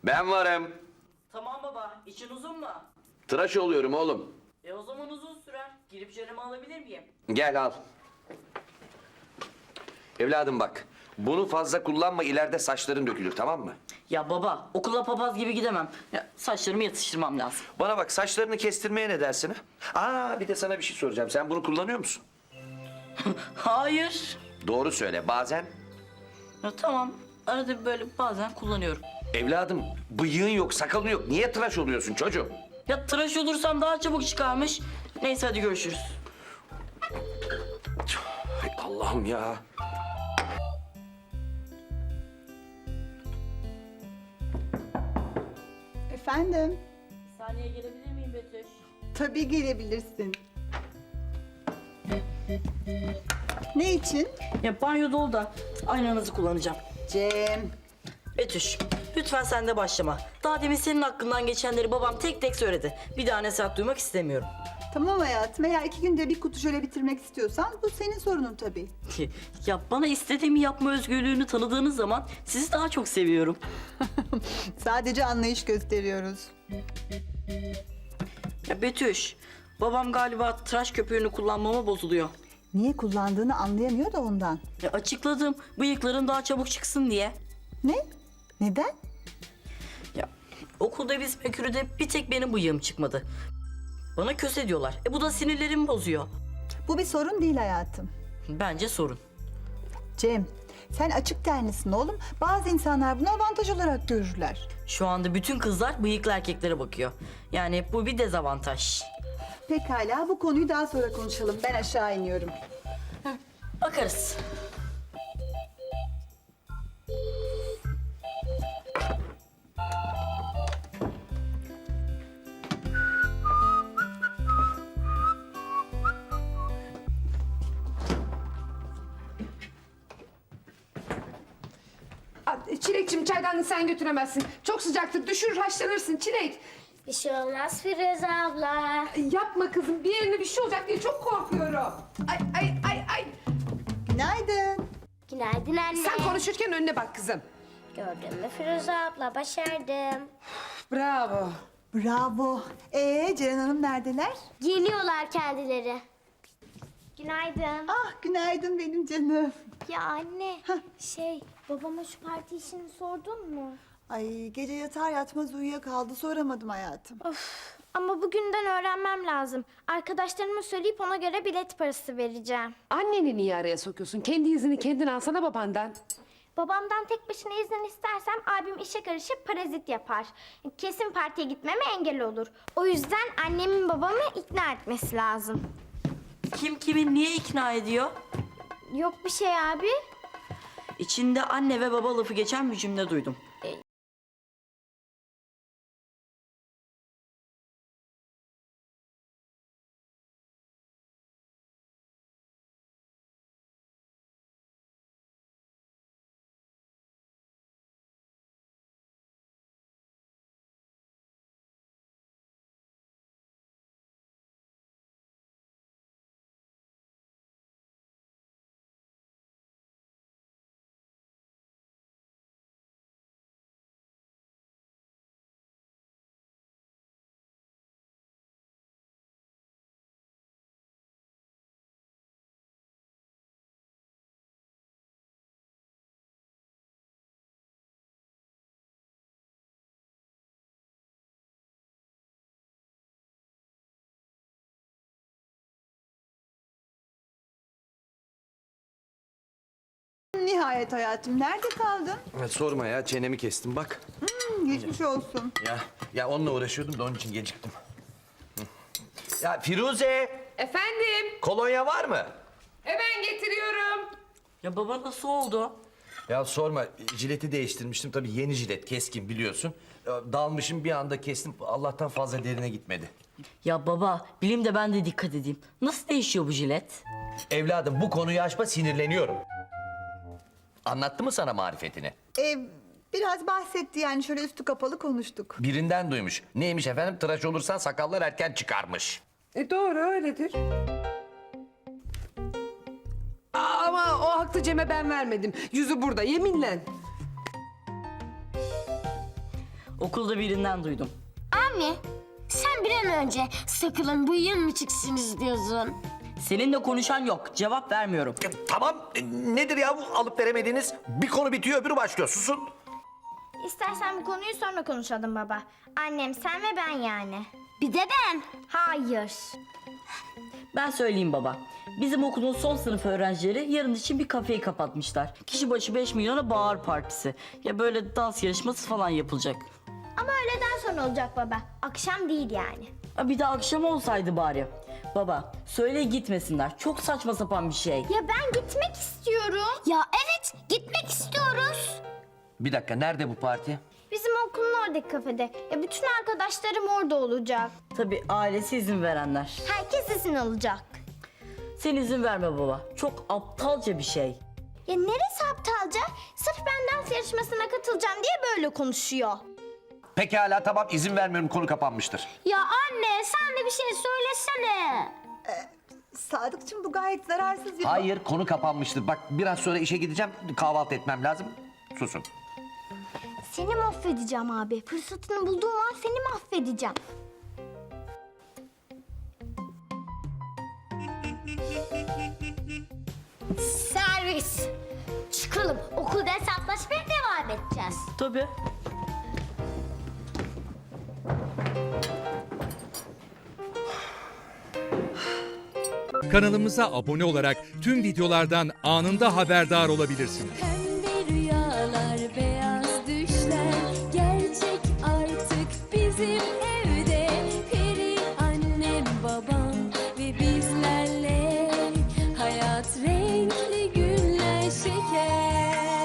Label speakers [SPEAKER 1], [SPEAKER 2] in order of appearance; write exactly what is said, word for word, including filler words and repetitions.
[SPEAKER 1] Ben varım.
[SPEAKER 2] Tamam baba, için uzun mu?
[SPEAKER 1] Tıraş oluyorum oğlum.
[SPEAKER 2] E o zaman uzun sürer. Girip jölemi alabilir miyim?
[SPEAKER 1] Gel al. Evladım bak. Bunu fazla kullanma, ileride saçların dökülür, tamam mı?
[SPEAKER 2] Ya baba, okula papaz gibi gidemem. Ya, saçlarımı yatıştırmam lazım.
[SPEAKER 1] Bana bak, saçlarını kestirmeye ne dersin ha? Aa, bir de sana bir şey soracağım. Sen bunu kullanıyor musun?
[SPEAKER 2] Hayır.
[SPEAKER 1] Doğru söyle, bazen.
[SPEAKER 2] Ya, tamam, arada bir böyle bazen kullanıyorum.
[SPEAKER 1] Evladım, bıyığın yok, sakalın yok. Niye tıraş oluyorsun çocuğum?
[SPEAKER 2] Ya tıraş olursam daha çabuk çıkarmış. Neyse hadi görüşürüz.
[SPEAKER 1] Ay Allah'ım ya.
[SPEAKER 3] Efendim?
[SPEAKER 2] Bir saniye gelebilir miyim Betüş?
[SPEAKER 3] Tabii gelebilirsin. Ne için?
[SPEAKER 2] Ya banyo dolu da aynanızı kullanacağım.
[SPEAKER 3] Cem.
[SPEAKER 2] Betüş, lütfen sen de başlama. Daha demin senin hakkından geçenleri babam tek tek söyledi. Bir daha nasihat duymak istemiyorum.
[SPEAKER 3] Tamam hayatım, eğer iki günde bir kutu şöyle bitirmek istiyorsan bu senin sorunun tabii.
[SPEAKER 2] Ya bana istediğimi yapma özgürlüğünü tanıdığınız zaman sizi daha çok seviyorum.
[SPEAKER 3] Sadece anlayış gösteriyoruz.
[SPEAKER 2] Ya Betüş, babam galiba tıraş köpüğünü kullanmama bozuluyor.
[SPEAKER 3] Niye kullandığını anlayamıyor da ondan.
[SPEAKER 2] Ya açıkladım, bıyıkların daha çabuk çıksın diye.
[SPEAKER 3] Ne? Neden?
[SPEAKER 2] Ya okulda biz mekürüde bir tek benim bıyığım çıkmadı. Bana köse diyorlar. E bu da sinirlerimi bozuyor.
[SPEAKER 3] Bu bir sorun değil hayatım.
[SPEAKER 2] Bence sorun.
[SPEAKER 3] Cem, sen açık tenlisin oğlum. Bazı insanlar bunu avantaj olarak görürler.
[SPEAKER 2] Şu anda bütün kızlar bıyıklı erkeklere bakıyor. Yani bu bir dezavantaj.
[SPEAKER 3] Pekala, bu konuyu daha sonra konuşalım. Ben aşağı iniyorum.
[SPEAKER 2] Bakarız.
[SPEAKER 4] Çilekçim, çaydanlığı sen götüremezsin. Çok sıcaktır, düşürür, haşlanırsın Çilek.
[SPEAKER 5] Bir şey olmaz Firuze abla.
[SPEAKER 4] Yapma kızım, bir yerine bir şey olacak diye çok korkuyorum. Ay ay ay ay.
[SPEAKER 3] Günaydın.
[SPEAKER 5] Günaydın anne.
[SPEAKER 4] Sen konuşurken önüne bak kızım.
[SPEAKER 5] Gördün mü Firuze abla, başardım.
[SPEAKER 4] Bravo.
[SPEAKER 3] Bravo. Ee, Ceren Hanım neredeler?
[SPEAKER 5] Geliyorlar kendileri. Günaydın.
[SPEAKER 3] Ah, günaydın benim canım.
[SPEAKER 5] Ya anne, şey babama şu parti işini sordun mu?
[SPEAKER 3] Ay, gece yatar yatmaz uyuyakaldı, soramadım hayatım.
[SPEAKER 5] Of, ama bugünden öğrenmem lazım. Arkadaşlarıma söyleyip ona göre bilet parası vereceğim.
[SPEAKER 4] Anneni niye araya sokuyorsun? Kendi izini kendin alsana babandan.
[SPEAKER 5] Babamdan tek başına izin istersem abim işe karışıp parazit yapar. Kesin partiye gitmeme engel olur. O yüzden annemin babamı ikna etmesi lazım.
[SPEAKER 2] Kim kimi niye ikna ediyor?
[SPEAKER 5] Yok bir şey abi.
[SPEAKER 2] İçinde anne ve baba lafı geçen bir cümle duydum.
[SPEAKER 3] Nihayet hayatım, nerede kaldın?
[SPEAKER 1] Ya sorma ya, çenemi kestim bak.
[SPEAKER 3] Hmm, geçmiş olsun.
[SPEAKER 1] Ya ya onunla uğraşıyordum da onun için geciktim. Hı. Ya Firuze,
[SPEAKER 4] Efendim,
[SPEAKER 1] kolonya var mı?
[SPEAKER 4] hemen getiriyorum.
[SPEAKER 2] Ya baba nasıl oldu?
[SPEAKER 1] Ya sorma, jileti değiştirmiştim. Tabii yeni jilet, keskin biliyorsun. Ya dalmışım, bir anda kestim. Allah'tan fazla derine gitmedi.
[SPEAKER 2] Ya baba, bileyim de ben de dikkat edeyim. Nasıl değişiyor bu jilet?
[SPEAKER 1] Evladım, bu konuyu açma, sinirleniyorum. Anlattı mı sana marifetini?
[SPEAKER 3] Ee, biraz bahsetti yani, şöyle üstü kapalı konuştuk.
[SPEAKER 1] Birinden duymuş. Neymiş efendim? Tıraş olursan sakallar erken çıkarmış.
[SPEAKER 4] E doğru, öyledir. Aa, ama o haklı Cem'e ben vermedim. Yüzü burada, yeminle.
[SPEAKER 2] Okulda birinden duydum.
[SPEAKER 6] Anne, sen bir an önce sakılın bu yıl mı çıksınız diyorsun?
[SPEAKER 2] Seninle konuşan yok. Cevap vermiyorum.
[SPEAKER 1] E, tamam e, nedir ya bu alıp veremediğiniz? Bir konu bitiyor öbürü başlıyor susun.
[SPEAKER 5] İstersen bu konuyu sonra konuşalım baba. Annem, sen ve ben yani.
[SPEAKER 6] Bir de ben.
[SPEAKER 5] Hayır.
[SPEAKER 2] Ben söyleyeyim baba. Bizim okulun son sınıf öğrencileri yarın için bir kafeyi kapatmışlar. Kişi başı beş milyona bağır partisi. Ya böyle dans yarışması falan yapılacak.
[SPEAKER 5] Ama öğleden sonra olacak baba. Akşam değil yani.
[SPEAKER 2] Ha, bir de akşam olsaydı bari. Baba söyle gitmesinler. Çok saçma sapan bir şey.
[SPEAKER 5] Ya ben gitmek istiyorum.
[SPEAKER 6] Ya evet, gitmek istiyoruz.
[SPEAKER 1] Bir dakika nerede bu parti?
[SPEAKER 5] Bizim okulun oradaki kafede. Ya bütün arkadaşlarım orada olacak.
[SPEAKER 2] Tabii ailesi izin verenler.
[SPEAKER 5] Herkes izin alacak.
[SPEAKER 2] Sen izin verme baba. Çok aptalca bir şey.
[SPEAKER 5] Ya neresi aptalca? Sırf ben dans yarışmasına katılacağım diye böyle konuşuyor.
[SPEAKER 1] Pekala tamam izin vermiyorum konu kapanmıştır.
[SPEAKER 6] Ya anne, sen de bir şey söylesene.
[SPEAKER 3] Sadıkçım bu gayet zararsız bir...
[SPEAKER 1] Hayır konu kapanmıştır. Bak biraz sonra işe gideceğim kahvaltı etmem lazım. Susun.
[SPEAKER 5] Seni mahvedeceğim abi. Fırsatını bulduğum an seni mahvedeceğim.
[SPEAKER 6] Servis. Çıkalım, okulda hesaplaşmaya devam edeceğiz.
[SPEAKER 2] Tabii.
[SPEAKER 7] Kanalımıza abone olarak tüm videolardan anında haberdar olabilirsiniz.